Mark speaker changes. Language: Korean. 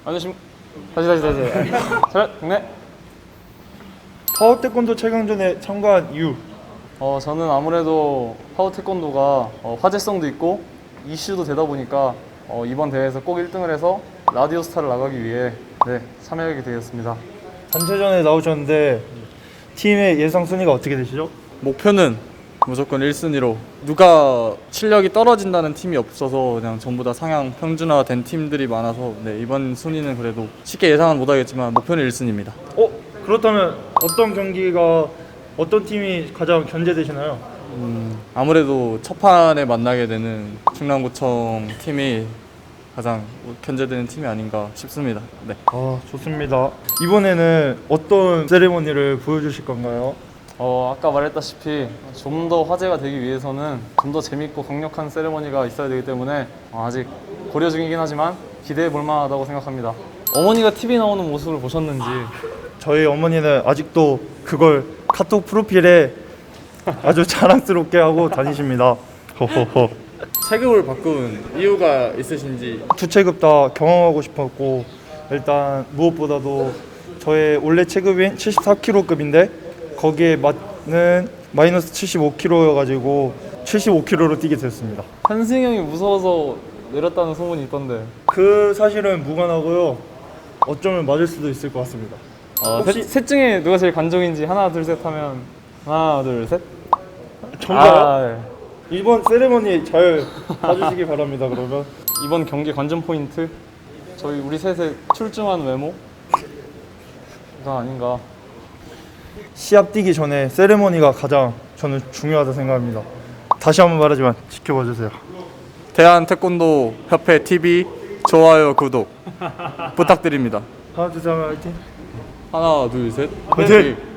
Speaker 1: 안녕하십니까. 다시. 차렷, 경례.
Speaker 2: 파워 태권도 최강전에 참가한 이유.
Speaker 1: 저는 아무래도 파워 태권도가 화제성도 있고 이슈도 되다 보니까 이번 대회에서 꼭 1등을 해서 라디오 스타를 나가기 위해 참여하게 되었습니다.
Speaker 2: 단체전에 나오셨는데 팀의 예상 순위가 어떻게 되시죠?
Speaker 3: 목표는 무조건 1순위로 누가 실력이 떨어진다는 팀이 없어서 그냥 전부 다 상향 평준화된 팀들이 많아서 이번 순위는 그래도 쉽게 예상은 못하겠지만 목표는 1순위입니다.
Speaker 2: 그렇다면 어떤 경기가 어떤 팀이 가장 견제되시나요?
Speaker 3: 아무래도 첫 판에 만나게 되는 충남구청 팀이 가장 견제되는 팀이 아닌가 싶습니다. 네.
Speaker 2: 좋습니다. 이번에는 어떤 세레머니를 보여주실 건가요?
Speaker 1: 아까 말했다시피 좀 더 화제가 되기 위해서는 좀 더 재밌고 강력한 세레머니가 있어야 되기 때문에 아직 고려 중이긴 하지만 기대해 볼 만하다고 생각합니다. 어머니가 TV 나오는 모습을 보셨는지.
Speaker 2: 저희 어머니는 아직도 그걸 카톡 프로필에 아주 자랑스럽게 하고 다니십니다. 호호호.
Speaker 3: 체급을 바꾼 이유가 있으신지.
Speaker 2: 두 체급 다 경험하고 싶었고, 일단 무엇보다도 저의 원래 체급인 74kg급인데 거기에 맞는 마이너스 75kg여가지고 75kg로 뛰게 됐습니다.
Speaker 1: 한승이 형이 무서워서 내렸다는 소문이 있던데.
Speaker 2: 그 사실은 무관하고요. 어쩌면 맞을 수도 있을 것 같습니다. 혹시-
Speaker 1: 셋 중에 누가 제일 관종인지 하나 둘 셋 하면 하나 둘 셋.
Speaker 2: 정말
Speaker 1: 네.
Speaker 2: 이번 세레머니 잘 봐주시기 바랍니다. 그러면
Speaker 1: 이번 경기 관전 포인트 우리 셋의 출중한 외모가 아닌가.
Speaker 2: 시합 뛰기 전에 세레머니가 가장 저는 중요하다 생각합니다. 다시 한번 말하지만 지켜봐 주세요.
Speaker 3: 대한태권도 협회 TV 좋아요 구독 부탁드립니다.
Speaker 2: 하나 둘 셋 하면 화이팅.
Speaker 3: 하나 둘 셋.
Speaker 2: 화이팅!